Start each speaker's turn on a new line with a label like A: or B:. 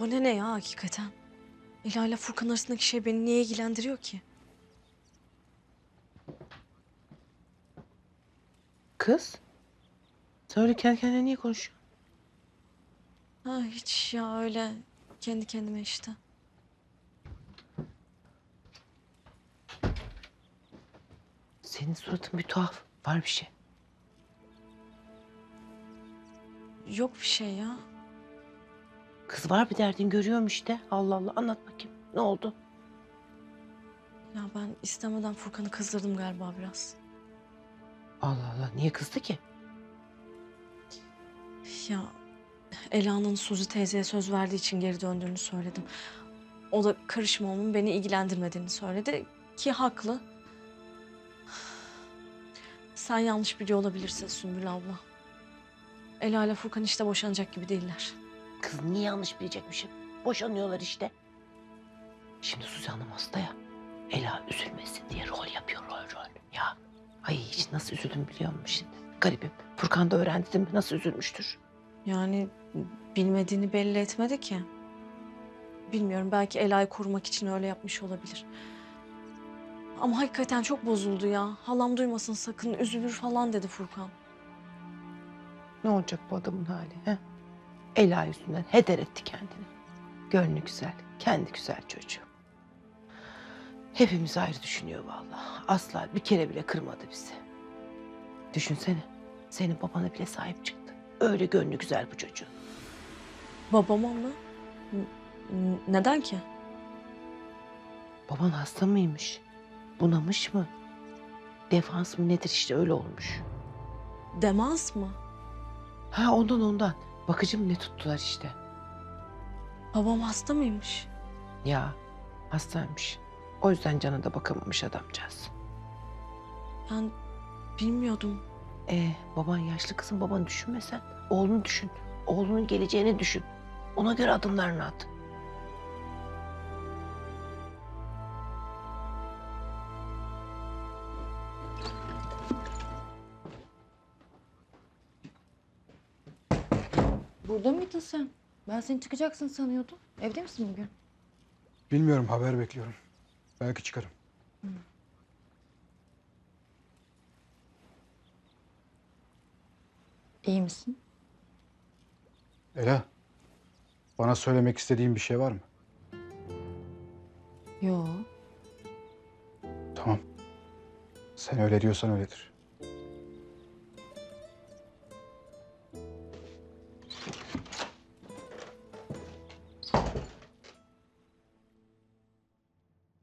A: Bana ne ya hakikaten? Ela ile Furkan arasındaki şey beni niye ilgilendiriyor ki?
B: Kız, sen öyle kendi kendine niye konuşuyorsun?
A: Ha hiç ya öyle kendi kendime işte.
B: Senin suratın bir tuhaf. Var bir şey.
A: Yok bir şey ya.
B: Kız var bir derdin görüyorum işte. Allah Allah anlat bakayım. Ne oldu?
A: Ya ben istemeden Furkan'ı kızdırdım galiba biraz.
B: Allah Allah niye kızdı ki?
A: Ya Ela'nın Suzi teyzeye söz verdiği için geri döndüğünü söyledim. O da karışmamın beni ilgilendirmediğini söyledi ki haklı. Sen yanlış biliyor olabilirsin Sümbül abla. Ela ile Furkan işte boşanacak gibi değiller.
B: Kız niye yanlış bilecekmişim? Boşanıyorlar işte. Şimdi Suzi Hanım hasta ya. Ela üzülmesin diye rol yapıyor rol. Ya ay hiç nasıl üzüldüm biliyor musun şimdi? Garibim. Furkan da öğrendi değil mi? Nasıl üzülmüştür?
A: Yani bilmediğini belli etmedi ki. Bilmiyorum belki Ela'yı korumak için öyle yapmış olabilir. Ama hakikaten çok bozuldu ya. Halam duymasın sakın üzülür falan dedi Furkan.
B: Ne olacak bu adamın hali? He? Ela yüzünden heder etti kendini. Gönlü güzel, kendi güzel çocuğu. Hepimiz ayrı düşünüyor vallahi. Asla bir kere bile kırmadı bizi. Düşünsene, senin babana bile sahip çıktı. Öyle gönlü güzel bu çocuğun.
A: Babama mı? Neden ki?
B: Baban hasta mıymış? Bunamış mı? Defans mı nedir işte öyle olmuş.
A: Demans mı?
B: Ha ondan. Bakıcı mı ne tuttular işte.
A: Babam hasta mıymış?
B: Ya hastaymış. O yüzden cana da bakamamış adamcağız.
A: Ben bilmiyordum.
B: Baban yaşlı kızım babanı düşünme sen. Oğlunu düşün. Oğlunun geleceğini düşün. Ona göre adımlarını at.
C: Burada mıydın sen? Ben seni çıkacaksın sanıyordum. Evde misin bugün?
D: Bilmiyorum, haber bekliyorum. Belki çıkarım.
C: İyi misin?
D: Ela, bana söylemek istediğin bir şey var mı?
C: Yo.
D: Tamam. Sen öyle diyorsan öyledir.